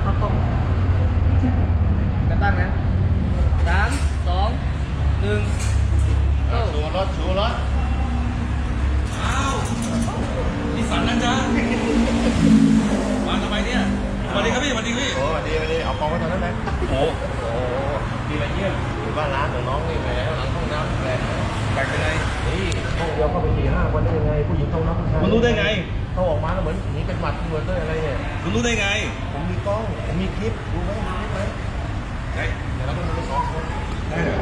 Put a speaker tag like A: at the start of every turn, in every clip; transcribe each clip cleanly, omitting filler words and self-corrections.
A: เข้ากล้องจะตั้งนะ3 2 1
B: ชูรถ
C: อ้าวนี่สันนะจ๊ะมาทำไมเนี่ยสวัสดีครับพี่สวัสดีพี่
B: โอ้ดีเอากองไว้ตอนนั้นไหม
C: โอ้
B: โอ้ดีมาเยี่ยมอยู่บ้านร้านของน้องนี่แหละหลังห้องน้ำแหละ
C: แปลกยังไง
B: นี่ห้องเดียวเข้าไป4-5 คนได้ยังไงผู้หญิงเข้าน้ำผู้ชาย
C: คุณรู้ได้ไง
B: เขาออกมาแล้วเหมือนหนีเป็นหมัดเหมือนด้วยอะไรเนี่ย
C: คุณรู้ได้ไง
B: ผมมีกล้องผมมีคลิปดูไหมมีคลิปไหม
C: ไหน
B: เดี๋ยวเราต้องดู2 คน
C: ได้เหรอ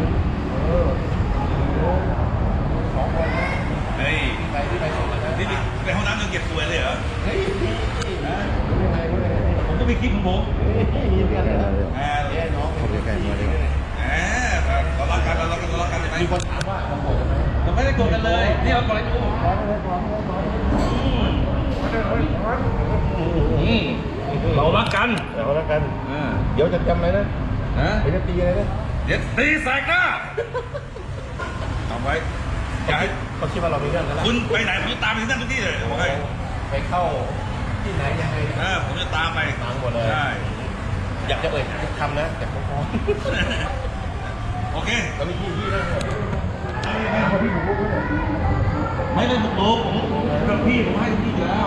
B: 2 คนนะ
C: เฮ้ย
B: ที่ไป2 คนนะ
C: นี่ไปห้องน้ำยังเก็บสวยเลยเหรอ
B: เฮ้ยรู้ได้ไง
C: ผมก็มีคลิปของผม
B: มีเพื่อนเลยนะ
C: แหม
B: น้องผมจะแกล้งมาเลย
C: เรารักกันใช่ไหม
B: มีคนถามว่าเราโกรธกันไหม
C: เราไม่ได้โกรธกันเลยนี่เราโกรธกันอยู่เรารักกัน
B: เราแล้วกัน เดี๋ยวจะจำอะไรนะ
C: นะ
B: เดี๋ยวจะตีอะไรนะ
C: เดี๋ยวตีแสกหน้าทำไว้อย่าให้
B: เขาคิดว่าเรามีเรื่องกันแล้ว
C: คุณไปไหนผมจะตามไปที่นั่นทุกที่เลยบอกให้
B: ไปเข้าที่ไหนยังไง
C: ผมจะตามไป
B: ตามหมดเลย
C: ใช่
B: อยากจะเอ่ยทุกคำนะแต่ผมพอ
C: โอเค
B: แล้วมีพี่นะเขาพี่ผมพูดด้วย
C: ไม่ได้บุกรุกผมกับพี่ผมให้พี่แล้ว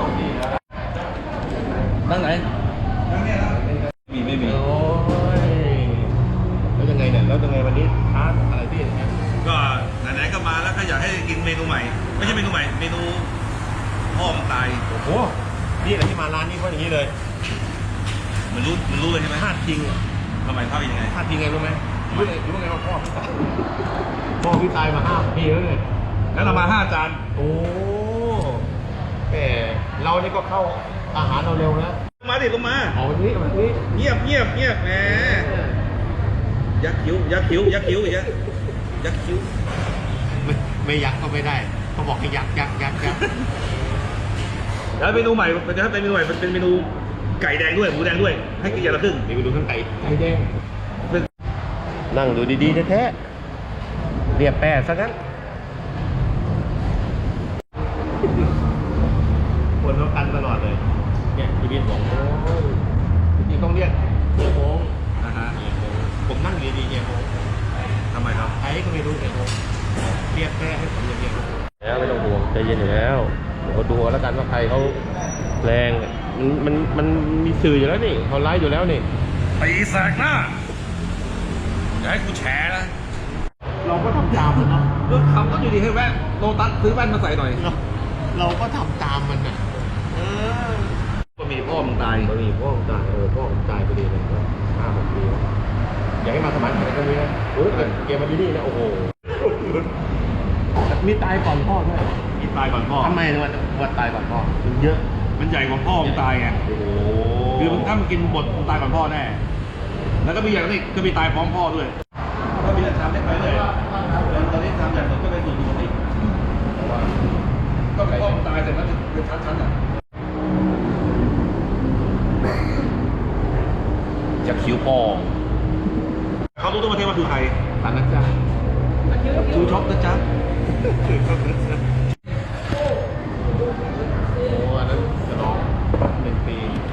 C: นั่งไหนนั่งเนี่ยนะไม่มี
B: โอ้ยแล้วยังไงเนี่ยแล้วยังไงวันนี้ทานอะไรพี่อย่างเงี้ย
C: ก็ไหนๆก็มาแล้วก็อยากให้กินเมนูใหม่ ไม่ใช่เมนูใหม่เมนูพ่อมันตาย
B: โอ้โหนี่แหละที่มาร้านนี้เพราะอย่างนี้เลย
C: มันรู้เลยใช่ไหม
B: พลาดจริง
C: ทำไมพลาดยังไง
B: พลาดจริงไงรู้ไหมรู้ไงว่าพ่อพี่ตายมา5 ปีแล้วเนี่ย
C: งั้นเรามา5 จาน
B: โอ้แหมเรานี่ก็เข้าอาหารเราเร็วนะ
C: มาดิลงมา
B: เอาวันนี้แบบนี้
C: เงียบแหมยักคิ้วอีกยักคิ้ว
B: ไม่ยักก็ไม่ได้เขาบอกให้ยัก
C: แล้วเมนูใหม่เป็นเมนูใหม่เป็นเมนูไก่แดงด้วยหมูแดงด้วยให้กินอย่างละครึ่ง
B: นี่ไปดูข้างไก่แดงนั่งดูดีๆแท้ๆเรียบแปะซะงั้นคนเขากันตลอดเลยเนี่ยพี่บินบอกโอ้ยจริงๆต้องเรียกเฮียโมง
C: นะฮะ
B: ผมนั่งอยู่ดีๆเฮียโมง
C: ทำไมครับ
B: ไอ้ก็ไม่รู้เฮียโมงเรียกแปะให้ผมอย่างเดียวแล้วไม่ต้องห่วงใจเย็นอยู่แล้วเดี๋ยวดูแล้วกันว่าใครเขาแรงมันมีสื่ออยู่แล้วนี่เขาไลฟ์อยู่แล้วนี่
C: ตีแสกหน้าอย่าให้กูแฉนะ
B: เราก็ทำตามมันเนาะ
C: เรื่องคำก็อยู่ดีให้แว่นโลตัสซื้อแว่นมาใส่หน่อย
B: เราก็ทำตามมันน่ะ
C: ก็มีพ่อมึงตาย
B: มันมีพ่อผมตายพ่อผมตายพอดีเลย5-6 ปีแล้วอยากให้มาสมัครอะไรก็มีนะโอ้ยเกมมาดีๆนะโอ้โหมีตายก่อนพ่อด้วย
C: มีตายก่อนพ่อ
B: ทำไมว่าตายก่อนพ่อมันเยอะ
C: มันใหญ่กว่าพ่อมึงตายไง
B: โอ้โห
C: คือถ้ามันกินบดมึงตายก่อนพ่อแน่แล้วก็มีอย่างนี้ก็มีตายพร้อมพ่อด้วยก็มีแต่ทำได้ไปเลยตอนนี้ทำอย่างหนึ่งก็เป็นส่วนปกติก็พ่อมึงตายเสร็จแล้วเป็นชั้นๆอ่ะจากคิ้วพ่อเขารู้ตัวประเทศว่าคือใคร
B: ตอนนั้นจ้ะ
C: ชูช็อปนะจ๊ะ
B: โอ้อันนั้นจะร้อง1 ปี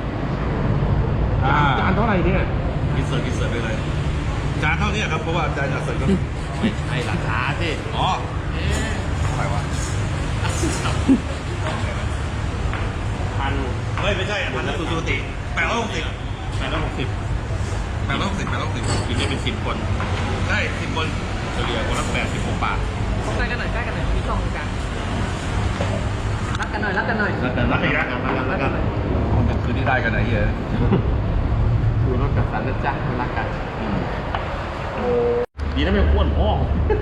C: จาน
B: เท่าไหร่เนี่ย
C: กินเสิร์ฟไปเลยจานเท่านี้ครับเพราะว่าจานอยากเสิร์ฟครับ
B: ไม่ใช่ราคาสิ
C: อ๋อเท่าไหร่วะ
B: พัน
C: เฮ้ยไม่ใช่พันนั้นสุดติ860
B: กินได้เป็น10 คน
C: ได้10 คน
B: เฉลี่ยคนละ86 บาท
A: ใกล้กันหน่อยมีกล้องกลางรักกันหน่อย
C: รักอีกแล้ว
B: แล้วกัน
C: มันคืนที่ได้กันไหนเฮีย
B: ดูรถกับสันนะจ๊ะรักกันดีนะไม่อ้วนพ่อ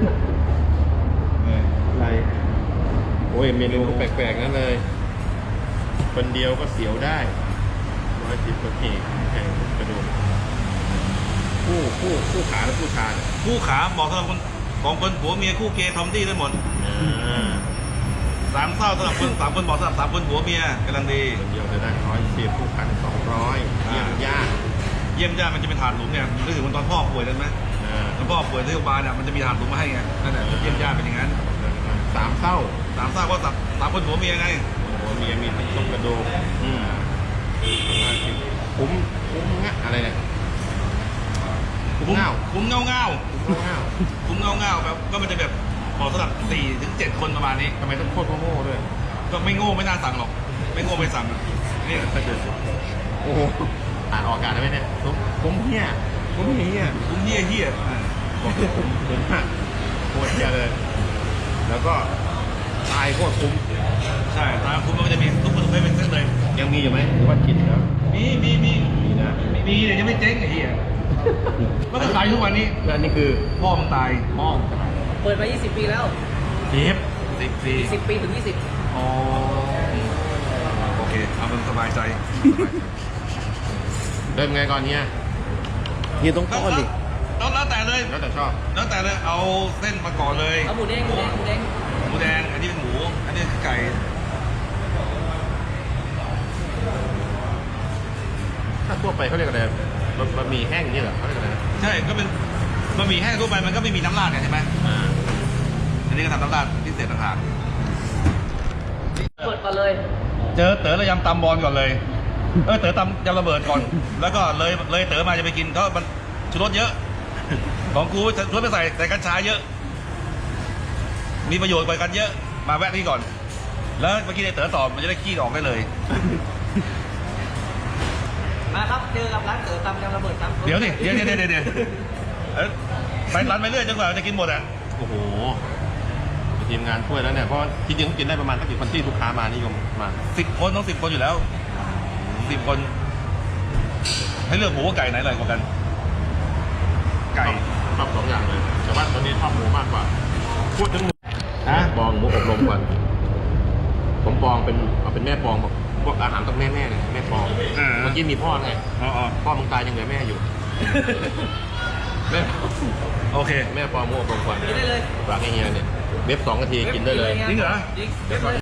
B: อะไรโอ้ยเมนูแปลกๆนั่นเลย คนเดียวก็เสียวได้110 กว่าขีดแข่งกระดูกคู่ขาและคู่ชา
C: คู่ขาบอกสำหรับคนของคนผัวเมียคู่เกย์ทอมดี้ได้หมด3 เศร้าสำหรับคน3 คนบอกสำหรับ3 คนผัวเมียกำลังดี
B: คนเดียวจะได้110คู่ขา200เยี่ยมยาก
C: เยี่ยมญาติมันจะเป็นถาดหลุมเนี่ยนึกถึงวันตอนพ่อป่วยได้ไหมตอนพ่อป่วยที่โรงพยาบาลเนี่ยมันจะมีถาดหลุมมาให้ไงนั่นแหละเยี่ยมญาติเป็นอย่างนั้น
B: 3 เศร้า
C: 3 เศร้าก็3 คนผัวเมียไง
B: หัวเมียมีต้มกระดูกคุ้มงะอะไรเนี่ยคุ้มเงา
C: คุ้มเงาเงา
B: คุ้มเงา
C: คุ้มเงาเงาแบบก็มันจะแบบเหมาะสำหรับ4 ถึง 7 คนประมาณนี้
B: ทำไมต้องโคตรโง่ด้วย
C: ก็ไม่โง่ไม่น่าสั่งหรอก ไม่โง่ไม่สั่งนี่
B: โอ้โหอ่านออกอากาศได้ไหมเนี่ยคุ้มเหี้ยคุ้มเหี้ย
C: คุ้มเฮี้ยเฮี้ย
B: คุ้มมากโคตรเหี้ยเลย แล้วก็ตายโคตรคุ้ม
C: ใช่ตามคุ้มมันก็จะมีทุกประเภทเป็นเส้นเลย
B: ยังมีอยู่ไหมหรือว่ากินแล้ว
C: มี
B: นะ
C: มีแต่ยังไม่เจ๊งไอ้เหี้ยมันก็ขายทุกวันนี้
B: แล้วอันนี้คือ
C: พ่อมึงตาย
B: หม้อ
A: เปิดมา 20 ปีแล้ว
C: 10
A: 10 ปีถึง 20
C: อ๋อโอเคเอามึงสบายใจ
B: เริ่มไงก่อนเนี่ยนี่ต้องก้อนดิ
C: แล้วแต่เลย
B: แล้วแต่ชอบ
C: แล้วแต่เลยเอาเส้นมาก่อนเลย
A: เอาหมูเด้ง
C: หมูแดงอันนี้เป็นหมูอันนี้คือไก่
B: ถ้าทั่วไปเขาเรียกอะไรบะหมี่แห้งนี่เหรอเขาเรียกอะไรนะ
C: ใช่ก็เป็นบะหมี่แห้งทั่วไปมันก็ไม่มีน้ำราดเนี่ยใช่ไหม
B: อ่า
C: อันนี้ก็ทำน้ำราดพิเศษต่างหาก
A: เปิดก่อนเลย
C: เจอเต๋อระยำตำบอลก่อนเลยเต๋อตำยำระเบิดก่อน แล้วก็เลยเต๋อมาจะไปกินเพราะมันชูรสเยอะ ของกูชูรสไปใส่กัญชาเยอะ มีประโยชน์กว่ากันเยอะมาแวะนี่ก่อน แล้วเมื่อกี้ไอ้เต๋อตอบมันจะได้ขี้ออกได้เลย
A: มาครับเจอกับร้านเต๋อตำยำระเบิดครับ
C: เดี๋ยวไปร้านไปเรื่อยจนกว่าจะกินหมดอ่ะ
B: โอ้โหทีมงานช่วยแล้วเนี่ยเพราะจริงๆกินได้ประมาณสักกี่คนที่ลูกค้ามานิยมมา
C: 10 คนต้อง10 คนอยู่แล้ว 10 คน ให้เลือกหมูกับไก่ไหนอร่อยกว่ากัน ไก่
B: ชอบสองอย่างเลยแต่ว่าตอนนี้ชอบหมูมากกว่าพูดถึงหมู
C: ฮะ
B: ปองหมูอบรมก่อนผมปองเป็นแม่ปองพวกอาหารต้องแม่เนี่ยแม่ปองเมื่อกี้มีพ่อไง
C: อ๋อ
B: พ่อมึงตายยังเหลือแม่อยู่ แม่
C: โอเค
B: แม่ปองหมูอบรมก่อน
A: กินได้เลย
B: ฝากให้เฮียเนี่ยเว็บ2 นาทีกินได้เลย
C: จริงเหรอ
A: จริง